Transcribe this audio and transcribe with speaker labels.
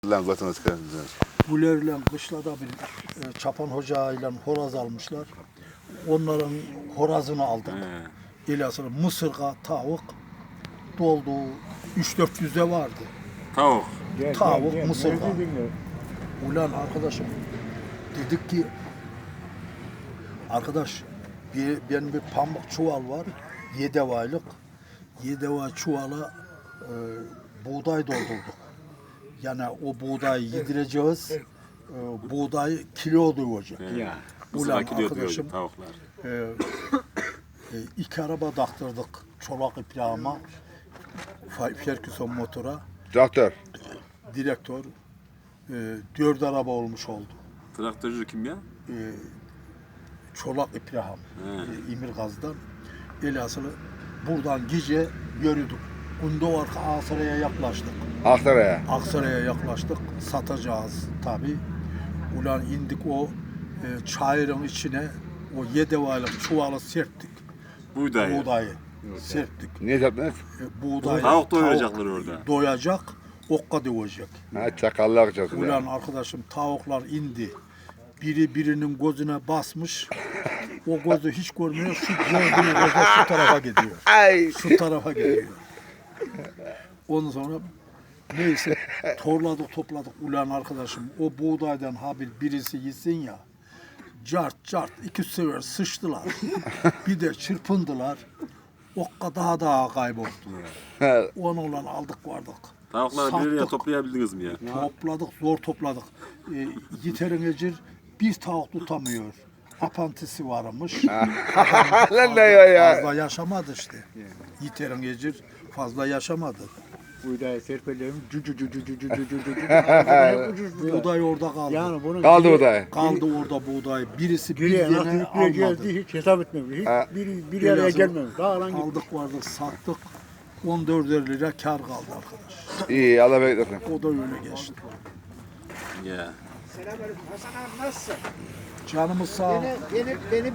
Speaker 1: Lan zaten çıkarız.
Speaker 2: Gülerle kışlada bir Çapan Hoca ile horoz almışlar. Onların horazını aldık. İlasını mısırga, tavuk doldu. 300-400'de vardı.
Speaker 3: Tavuk.
Speaker 2: Tavuk, mısırga. Ulan arkadaşım dedik ki arkadaş benim bir pamuk çuval var. 7 aylık. 7 ay çuvala buğday doldurduk. Yani o buğdayı yedireceğiz. Buğday kilo olacak.
Speaker 3: Ya.
Speaker 2: Ulan
Speaker 3: Kilo
Speaker 2: arkadaşım
Speaker 3: diyor tavuklar.
Speaker 2: 2 araba taktırdık çolak iplağıma. Ferguson motora.
Speaker 1: Traktör.
Speaker 2: Direktör 4 araba olmuş oldu.
Speaker 3: Traktörcü kim ya?
Speaker 2: Çolak İbrahim İmirgaz'dan. Elhasılı buradan gece yürüdük. Gündoğarka Aksaray'a yaklaştık.
Speaker 1: Aksaray'a.
Speaker 2: Aksaray'a yaklaştık. Satacağız tabi. Ulan indik o çayırın içine o 7 aylık çuvalı serptik. Buğdayı serptik.
Speaker 1: Niye yaptınız?
Speaker 2: Buğday
Speaker 3: Tavuk doyuracaklar orada.
Speaker 2: Doyacak, okka doyacak.
Speaker 1: Ha, çakallar açacağız.
Speaker 2: Ulan arkadaşım tavuklar indi. Biri birinin gözüne basmış. O gözü hiç görmüyor. Şu gördüğü gözü şu tarafa gidiyor.
Speaker 1: Ay.
Speaker 2: Şu tarafa gidiyor. Ondan sonra neyse topladık. Ulan arkadaşım o buğdaydan habil birisi yesin ya. Cart 2 sefer sıçtılar. Bir de çırpındılar. Okka daha kayboldu. Onu ulan aldık vardık.
Speaker 3: Tavukları bir yere toplayabildiniz mi ya?
Speaker 2: Zor topladık. Yiterin Ecir bir tavuk tutamıyor. Apantisi varmış.
Speaker 1: Lan ne ya?
Speaker 2: Fazla yaşamadı işte. Yiterin Ecir fazla yaşamadı.
Speaker 4: Buğday serpelerim
Speaker 2: Buğday orada kaldı.
Speaker 4: Yani bunun
Speaker 1: Kaldı o da.
Speaker 2: Kaldı orada buğday. Birisi bir
Speaker 4: geriye nasıl
Speaker 2: yene
Speaker 4: yükleyeceğiz
Speaker 2: almadı.
Speaker 4: diye hiç hesap etmemiş. Hiç bir araya
Speaker 2: Biraz
Speaker 4: gelmemiş. Dağılan gibi.
Speaker 2: Aldık vardık sattık. 14 lira kar kaldı arkadaş.
Speaker 1: İyi Allah beklesin.
Speaker 2: O da öyle geçti.
Speaker 3: Ya.
Speaker 4: Selamünaleyküm. Hasan abi nasılsın?
Speaker 2: Canımız sağ ol.
Speaker 4: Benim